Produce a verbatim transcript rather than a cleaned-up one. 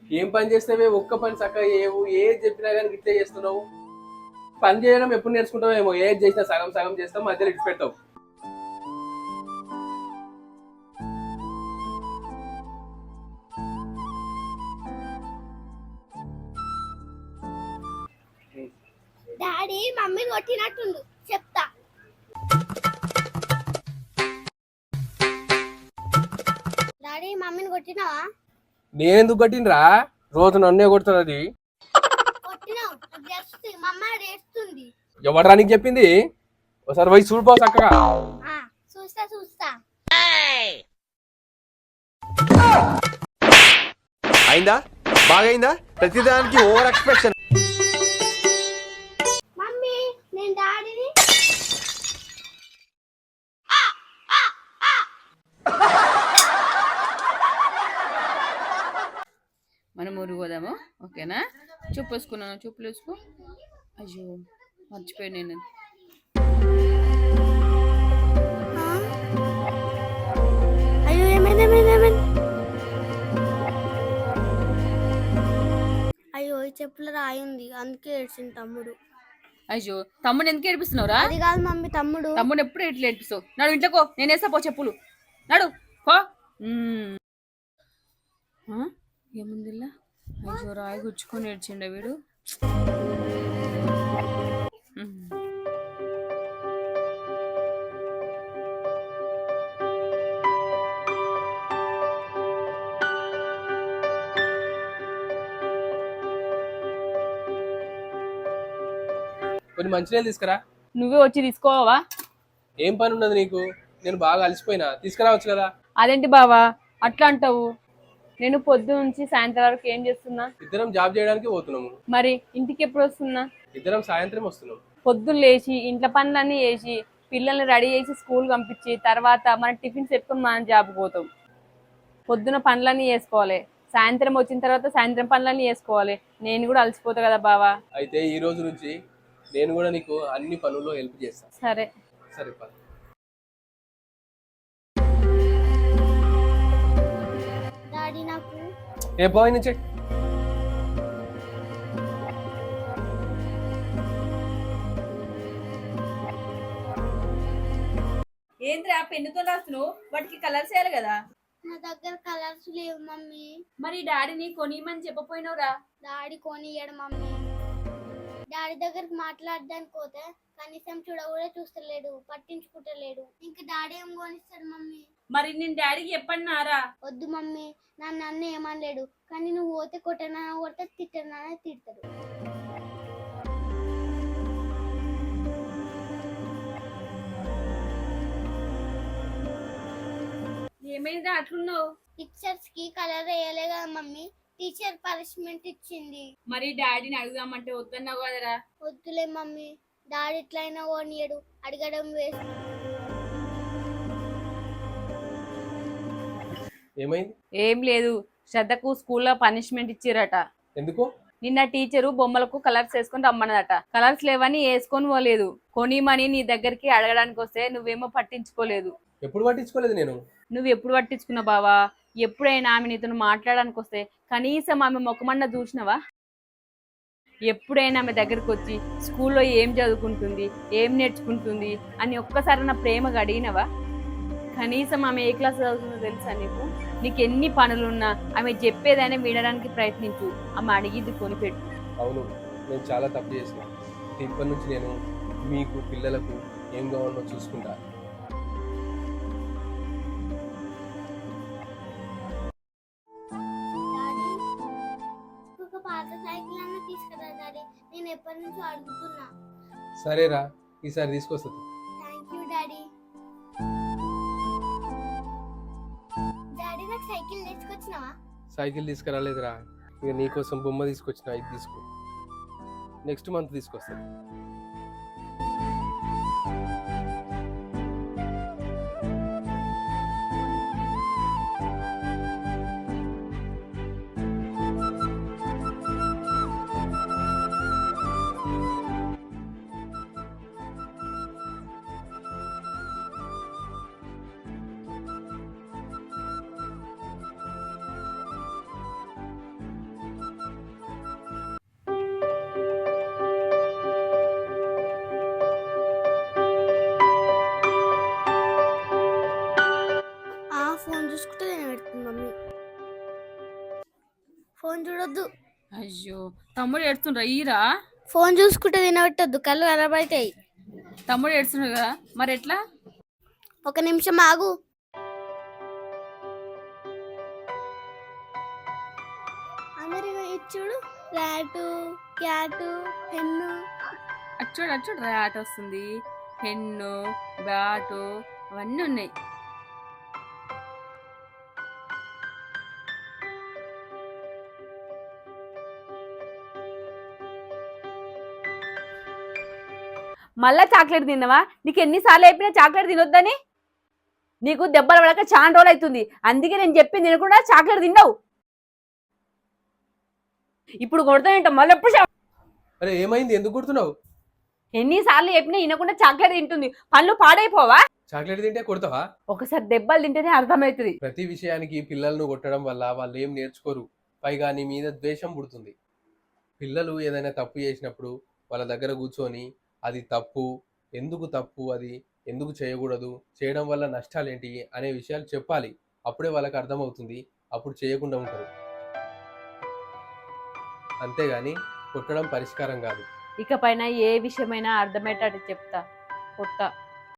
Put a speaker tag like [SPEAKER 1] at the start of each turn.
[SPEAKER 1] ఏం పని చేస్తావే? ఒక్క పని చక్కగా ఏవు, ఏది చెప్పినా కానీ ఇట్లే చేస్తున్నావు. పని చేయడం ఎప్పుడు నేర్చుకుంటావేమో. ఏది చేసినా సగం సగం చేస్తావు, మధ్యలో ఇటు పెట్టావు.
[SPEAKER 2] డాడీ మమ్మీ కొట్టినట్టుండు, చెప్తా. డాడీ మమ్మీని కొట్టినావా?
[SPEAKER 1] నేనెందుకు కొట్టినరా? రోజు నన్నే కొడుతుంది అది.
[SPEAKER 2] కొట్టినావు, మమ్మ రేస్తుంది.
[SPEAKER 1] ఎవడరా నీకు చెప్పింది? ఒకసారి పోయి చూడిపో చక్కగా.
[SPEAKER 2] చూస్తా చూస్తా.
[SPEAKER 3] అయిందా? బాగైందా? ప్రతిదానికి ఓవర్ ఎక్స్ప్రెషన్.
[SPEAKER 2] మమ్మీ నేను డాడీని.
[SPEAKER 4] మనం ఊరు పోదాము, ఓకేనా? చూపు వేసుకున్నాను, చూపులు వేసుకో. అయ్యో మర్చిపోయి నేను.
[SPEAKER 2] అయ్యో ఏమైంది ఏమైంది ఏమైంది? అయ్యో ఈ చెప్పులు రాయింది, అందుకే ఏడ్చింది తమ్ముడు.
[SPEAKER 4] అయ్యో తమ్ముడు ఎందుకు ఏడిపిస్తున్నావురా?
[SPEAKER 2] అది కాదు మమ్మీ, తమ్ముడు.
[SPEAKER 4] తమ్ముడు ఎప్పుడు ఎట్లా ఏడిపిస్తావు? నాడు ఇంట్లోకో, నేను వేస్తా పో చెప్పులు. నాడు కో. ఏముందిలా? అయ్యో రాయి గుచ్చుకొని ఏడ్చిండ వీడు.
[SPEAKER 1] కొన్ని మంచినీళ్ళు తీసుకురా.
[SPEAKER 4] నువ్వే వచ్చి తీసుకోవా?
[SPEAKER 1] ఏం పని ఉన్నది నీకు? నేను బాగా అలసిపోయినా, తీసుకురావచ్చు కదా.
[SPEAKER 4] అదేంటి బావా అట్లా అంటావు? నేను పొద్దు నుంచి సాయంత్రం వరకు ఏం చేస్తున్నా?
[SPEAKER 1] ఇద్దరం జాబ్ చేయడానికి పోతున్నాము.
[SPEAKER 4] మరి ఇంటికి ఎప్పుడు వస్తున్నా?
[SPEAKER 1] ఇద్దరం సాయంత్రం వస్తున్నాం.
[SPEAKER 4] పొద్దున్న లేచి ఇంట్లో పనులన్నీ చేసి పిల్లల్ని రెడీ చేసి స్కూల్ పంపించి తర్వాత మన టిఫిన్స్ పెట్టుకుని మనం జాబ్కి పోతాం. పొద్దున పనులన్నీ చేసుకోవాలి, సాయంత్రం వచ్చిన తర్వాత సాయంత్రం పనులన్నీ చేసుకోవాలి. నేను కూడా అలసిపోతా కదా బావా.
[SPEAKER 1] అయితే ఈ రోజు నుంచి నేను కూడా నీకు అన్ని పనుల్లో హెల్ప్ చేస్తాను.
[SPEAKER 4] సరే
[SPEAKER 1] సరే పద.
[SPEAKER 2] డాడీ నాకు
[SPEAKER 1] ఏ పోయి నుంచి
[SPEAKER 4] ఏంద్రా పెన్నుతో రాస్తున్నావు? వాటికి కలర్స్ వేయాలి కదా.
[SPEAKER 2] నా దగ్గర కలర్స్ లేవు మమ్మీ.
[SPEAKER 4] మరి డాడీని కొనిమని చెప్పపోయినవురా?
[SPEAKER 2] డాడీ కొనియడు మమ్మీ. డాడీ దగ్గరికి మాట్లాడడానికి పోతే కనీసం చూడ కూడా చూస్తలేడు, పట్టించుకుంటలేడు. ఇంకా డాడీ ఏం కొనిస్తాడు మమ్మీ?
[SPEAKER 4] మరి నేను డాడీకి చెప్పన్నారా?
[SPEAKER 2] వద్దు మమ్మీ, నన్ను నన్ను ఏమనలేడు, కానీ నువ్వు పోతే కొట్టనా కొడితే తిట్టనా తిడతాడు.
[SPEAKER 4] ఏమైందా అట్లున్నావు?
[SPEAKER 2] పిక్చర్స్ కి కలర్ వేయలే కదా మమ్మీ, టీచర్ పనిష్మెంట్ ఇచ్చింది.
[SPEAKER 4] మరి డాడీని అడుగుదామంటే వద్దన్నావు కదరా?
[SPEAKER 2] వద్దులే మమ్మీ, డాడీ ఎట్లయినా ఓనియడు, అడగడం వేస్ట్.
[SPEAKER 1] ఏమైంది?
[SPEAKER 4] ఏం లేదు, శ్రద్ధకు స్కూల్లో పనిష్మెంట్ ఇచ్చిరట.
[SPEAKER 1] ఎందుకు?
[SPEAKER 4] నిన్న టీచరు బొమ్మలకు కలర్స్ వేసుకొని రమ్మన్నదట. కలర్స్ లేవని వేసుకొని పోలేదు. కొనిమని నీ దగ్గరికి అడగడానికి వస్తే నువ్వేమో పట్టించుకోలేదు.
[SPEAKER 1] ఎప్పుడు పట్టించుకోలేదు నేను.
[SPEAKER 4] నువ్వు ఎప్పుడు పట్టించుకున్నావు బావా? ఎప్పుడైనా ఆమె నీతో మాట్లాడడానికి వస్తే కనీసం ఆమె ముఖమన్నా చూసినవా? ఎప్పుడైనా ఆమె దగ్గరకు వచ్చి స్కూల్లో ఏం చదువుకుంటుంది, ఏం నేర్చుకుంటుంది అని ఒక్కసారి నా ప్రేమగా అడిగినవా? కనీసం ఆమె ఏ క్లాస్ చదువుతుందో తెలుసా నీకు? నీకు ఎన్ని పనులున్నా ఆమె చెప్పేదైనా వినడానికి ప్రయత్నించు, ఆమె అడిగిద్ది కొనిపెట్టు.
[SPEAKER 1] అవును, నేను చాలా తప్పు చేసిన. ఇప్పటి నుంచి నేను మీకు పిల్లలకు ఏం కావాలో చూసుకుంటా.
[SPEAKER 2] పాత సైకిల్ అన్న తీసుకురా డాడీ, నేను ఎప్పటి నుంచో అడుగుతున్నా.
[SPEAKER 1] సరేరా, ఈసారి తీసుకొస్తుంది.
[SPEAKER 2] Thank you daddy. డాడీ నాకు సైకిల్ తీసుకొచ్చినావా?
[SPEAKER 1] సైకిల్ తీసుకురాలేదురా, ఇక నీకోసం బొమ్మ తీసుకొచ్చిన, ఇది తీసుకో. నెక్స్ట్ మంత్ తీసుకొస్తాను.
[SPEAKER 2] ఫోన్ చూడొద్దు.
[SPEAKER 4] అయ్యో తమ్ముడు ఏడుస్తుండ్రా ఈరా.
[SPEAKER 2] ఫోన్ చూసుకుంటే తినబెట్టద్దు, కళ్ళు ఖరాబ్ అవుతాయి.
[SPEAKER 4] తమ్ముడు ఏడుస్తుండ్రు కదా మరి ఎట్లా?
[SPEAKER 2] ఒక నిమిషం ఆగు. అందరి ఇచ్చుడు ర్యాటు క్యాటు పెన్ను.
[SPEAKER 4] అచ్చోడు అచ్చోడు ర్యాట్ వస్తుంది, పెన్ను బ్యాటు అవన్నీ ఉన్నాయి. మళ్ళా చాక్లెట్ తిన్నావా? నీకు ఎన్నిసార్లు అయిపోయినా చాక్లెట్ తినొద్దని. నీకు దెబ్బలు పడక చాలా రోజులు అవుతుంది, అందుకే నేను చెప్పింది తినకుండా చాక్లెట్ తిన్నావు. ఇప్పుడు కొడతానంట మళ్ళీ ఎప్పుడు.
[SPEAKER 1] అరే ఏమైంది, ఎందుకు కొడుతున్నావు?
[SPEAKER 4] ఎన్నిసార్లు చెప్పినా వినకుండా చాక్లెట్ తింటుంది, పళ్ళు పాడైపోవా?
[SPEAKER 1] చాక్లెట్ తింటే కొడతావా?
[SPEAKER 4] ఒకసారి దెబ్బలు తింటేనే అర్థమవుతుంది.
[SPEAKER 1] ప్రతి విషయానికి పిల్లలను కొట్టడం వల్ల వాళ్ళు ఏం నేర్చుకోరు, పైగా నీ మీద ద్వేషం పుడుతుంది. పిల్లలు ఏదైనా తప్పు చేసినప్పుడు వాళ్ళ దగ్గర కూర్చొని అది తప్పు, ఎందుకు తప్పు, అది ఎందుకు చేయకూడదు, చేయడం వల్ల నష్టాలు ఏంటి అనే విషయాలు చెప్పాలి. అప్పుడే వాళ్ళకి అర్థమవుతుంది, అప్పుడు చేయకుండా ఉంటారు. అంతేగాని కొట్టడం పరిష్కారం కాదు.
[SPEAKER 4] ఇకపైన ఏ విషయమైనా అర్థమయ్యేటట్టు చెప్తా, కొట్ట.